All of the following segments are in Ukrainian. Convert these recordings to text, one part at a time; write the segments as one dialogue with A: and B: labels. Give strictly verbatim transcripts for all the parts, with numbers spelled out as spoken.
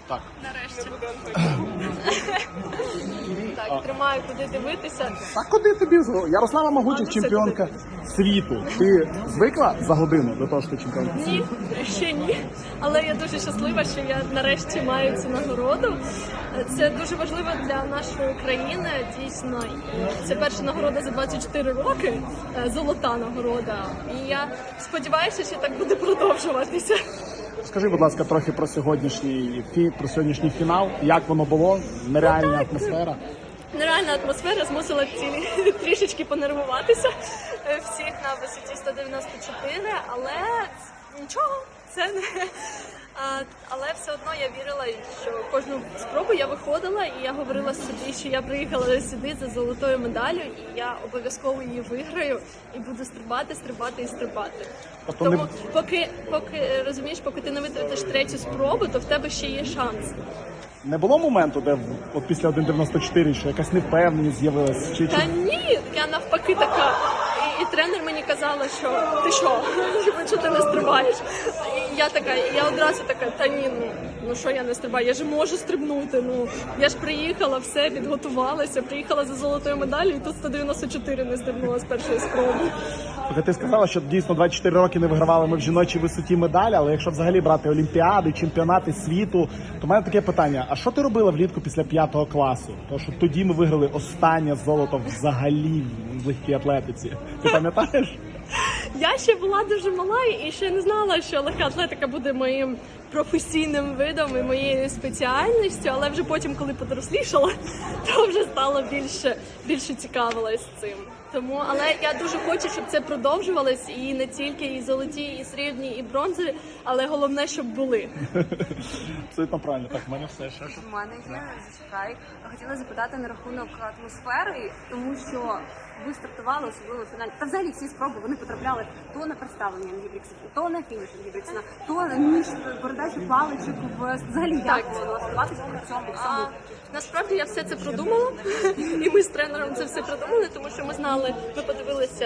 A: Так.
B: Нарешті. Так, тримаю, куди дивитися.
A: Так куди тобі? Ярослава Могучих, чемпіонка світу. Ти звикла за годину до того, що ти чемпіонка?
B: Ні, ще ні. Але я дуже щаслива, що я нарешті маю цю нагороду. Це дуже важливо для нашої країни, дійсно. І це перша нагорода за двадцять чотири роки, золота нагорода. І я сподіваюся, що так буде продовжуватися.
A: Скажи, будь ласка, трохи про сьогоднішній фі... про сьогоднішній фінал. Як воно було? Нереальна
B: так.
A: атмосфера.
B: Нереальна атмосфера змусила цілі трішечки понервуватися всіх на висоті сто дев'яносто чотири, але нічого, це не... А, але все одно я вірила, що кожну спробу я виходила, і я говорила собі, що я приїхала сюди за золотою медаллю, і я обов'язково її виграю, і буду стрибати, стрибати і стрибати.
A: Тобто
B: Тому
A: не-
B: поки, поки, розумієш, поки ти не витратиш третю спробу, то в тебе ще є шанс.
A: Не було моменту, де в- от після один дев'яносто чотири, що якась невпевненість з'явилась? Чи,
B: Та
A: чи...
B: ні, я навпаки така. І, і тренер мені казала, що ти що, що ти не стрибаєш? І я така, і я одразу така, та ні, ну, ну що я не стрибаю, я ж можу стрибнути. Ну я ж приїхала, все, підготувалася, приїхала за золотою медаллю, і тут сто дев'яносто чотири не стрибнула з першої спроби.
A: Тобто ти сказала, що дійсно двадцять чотири роки не вигравали ми в жіночій висоті медалі, але якщо взагалі брати олімпіади, чемпіонати світу, то в мене таке питання: а що ти робила влітку після п'ятого класу? Тому що тоді ми виграли останнє золото взагалі в легкій атлетиці. Ти пам'ятаєш?
B: Я ще була дуже мала і ще не знала, що легка атлетика буде моїм професійним видом і моєю спеціальністю, але вже потім, коли подорослішала, то вже стало більше, більше цікавилась цим. Тому, але я дуже хочу, щоб це продовжувалось, і не тільки і золоті, і срібні, і бронзові, але головне, щоб були.
A: Абсолютно правильно. Так, в мене все. Ще що?
C: У мене є, зачекай. Хотіла запитати на рахунок атмосфери, тому що ви стартували, особливо в фіналі. Та взагалі всі спроби вони потрапляли то на представлення Ангібріксів, то на фініш Ангібріксена, то між передачу паличок в взагалі
B: Так.
C: як було налаштуватися при цьому
B: А,
C: всьому.
B: насправді я все це продумала, і ми з тренером це все продумали, тому що ми знали, ми подивилися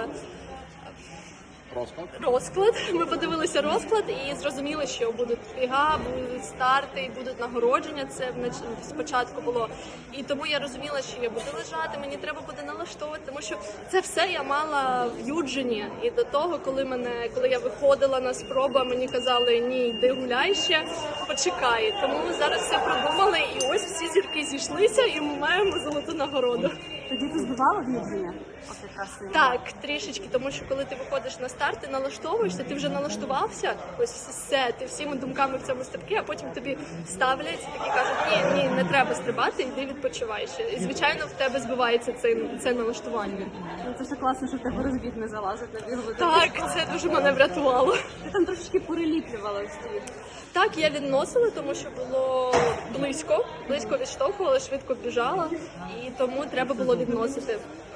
A: Розклад.
B: розклад. Ми подивилися розклад і зрозуміли, що будуть біга, будуть старти, і будуть нагородження. Це внач- спочатку було. І тому я розуміла, що я буду лежати, мені треба буде налаштовувати, тому що це все я мала в Юджині. І до того, коли мене, коли я виходила на спробу, мені казали, ні, йди гуляй ще, почекай. Тому ми зараз все продумали, і ось всі зірки зійшлися, і ми маємо золоту нагороду.
C: Тоді ти збивала в Юджині? От якраз і-
B: Так, трішечки, тому що коли ти виходиш на старт, ти налаштовуєшся, ти вже налаштувався, ось все, ти всіми думками в цьому стрибки, а потім тобі ставлять і такі кажуть, ні, ні, не треба стрибати, йди відпочивай ще. І звичайно в тебе збивається це, це налаштування.
C: Ну, це ж класно, що в тебе розбіг не залазить на бігову.
B: Так, це дуже мене врятувало.
C: Ти там трошечки переліплювала всі.
B: Так, я відносила, тому що було близько, близько відштовхувала, швидко біжала, і тому треба було відносити.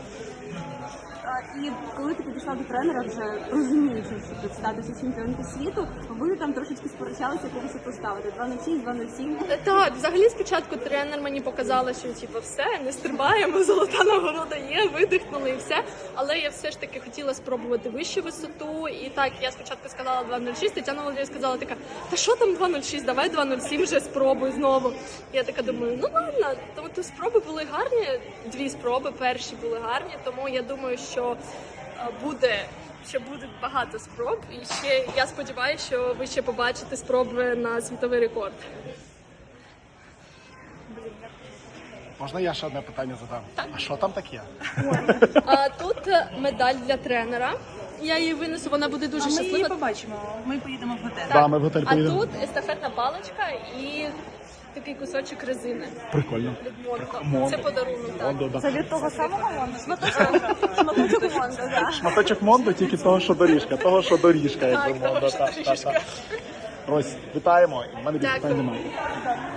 C: А, І коли ти підійшла до тренера, вже розуміючи, що тут статусі чемпіонки світу, ви там трошечки сперечалися, яку висоту ставити. два нуль шість, два нуль сім.
B: Так, взагалі спочатку тренер мені показала, що типу, все, не стрибаємо, золота нагорода є, видихнули і все. Але я все ж таки хотіла спробувати вищу висоту. І так, я спочатку сказала два нуль шість, Тетяна Володимирівна сказала така, та що там два нуль шість, давай два нуль сім вже спробуй знову. Я така думаю, ну ладно, тому то спроби були гарні, дві спроби, перші були гарні, тому я думаю, що е, буде ще буде багато спроб, і ще я сподіваюся, що ви ще побачите спроби на світовий рекорд.
A: Можна я ще одне питання задам? А що там таке?
B: А тут е, медаль для тренера. Я її винесу, вона буде дуже
D: Ми її
B: щаслива.
D: побачимо. Ми поїдемо в готель.
A: Да, ми в готель
B: А
A: поїдемо.
B: тут естафетна паличка і такий кусочок резини
A: Прикольно.
B: від Мондо.
A: Мондо.
B: Це подарунок. Так.
A: Мондо, да.
C: Це від того самого Монда? Шматочок Монда, так.
A: Шматочок Мондо, тільки того, що доріжка. Того, що доріжка, якби
B: Так, того,
A: Мондо.
B: що
A: Так, так,
B: доріжка.
A: так. Рось, вітаємо. У мене більше
B: Дякую.
A: питань немає.